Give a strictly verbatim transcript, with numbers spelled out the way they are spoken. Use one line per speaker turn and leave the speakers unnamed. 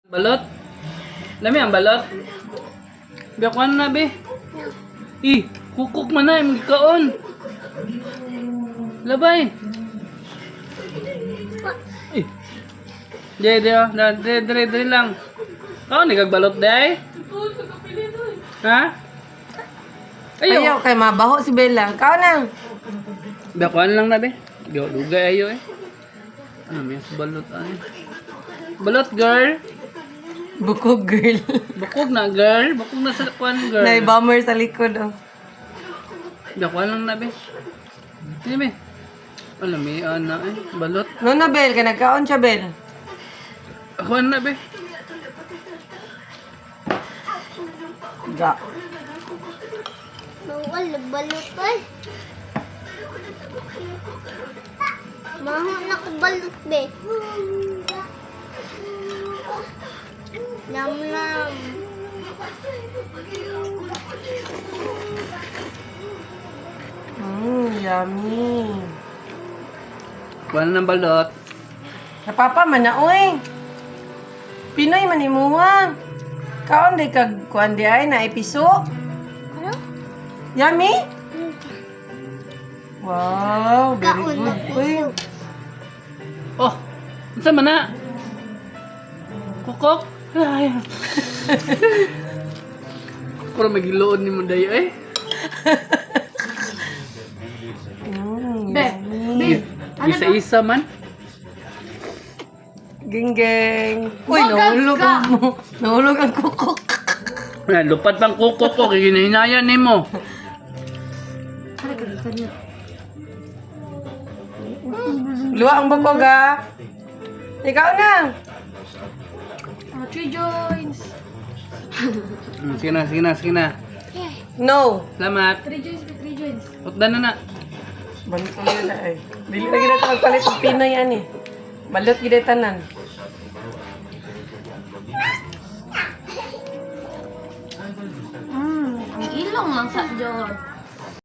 Balot? Lami ang balot? Biyakuan na, be. Ih, kukuk man na, yung kaon. Labay. Ih. Dire, dire, dire, dire, dire lang. Kaon, nagagbalot, day? Ha? Ayaw.
Ayaw kay mabaho si Bella. Kao na.
Biyakuan lang na, be. Diyo, dugay ayo eh. Ano, may balot ay. Balot, girl.
Bukog girl.
Bukog na, girl. Bukog na sa kuan, girl.
Nai-bomber sa likod oh.
Biyakuan lang na, be. Hindi, be. Alam, may ana eh. Balot.
No na Bel, kay nagkaon siya Bel.
Kuan na, be.
Ga.
Bawal, balot ay. Maho na ko balot, be. Nam nam.
Mmm, yummy.
Kuan ng balot.
Napapa man na oy. Pinoy man imuha. Kaon di kag kuan di ay na episo.
Ano?
Yummy? Wow, very
Kaon na
good. Uy.
Oh, unsa man na? Kukok? Ay. Puro magiloon ni mo dayo eh.
Mm,
Be,
yummy.
Ano
Isa-isa man.
Ging ging. Uy,
Bagag
nahulog
ka.
ang mo. Nahulog ang kukok.
Ay, lupat pang kukok ko. Kaya hinahinayan ni mo.
Luwa ang bukog ah. Ikaw na.
Ah, three joints.
Hmm, sige na, sige na, sige na.
No.
Salamat.
Three joints, be, three joints.
Utdan na na.
Balot ko yun ay. Dili na gina ito magpalit ng Pinoy yan eh. Balot gina tanan.
Hmm, ang ilong lang sa John.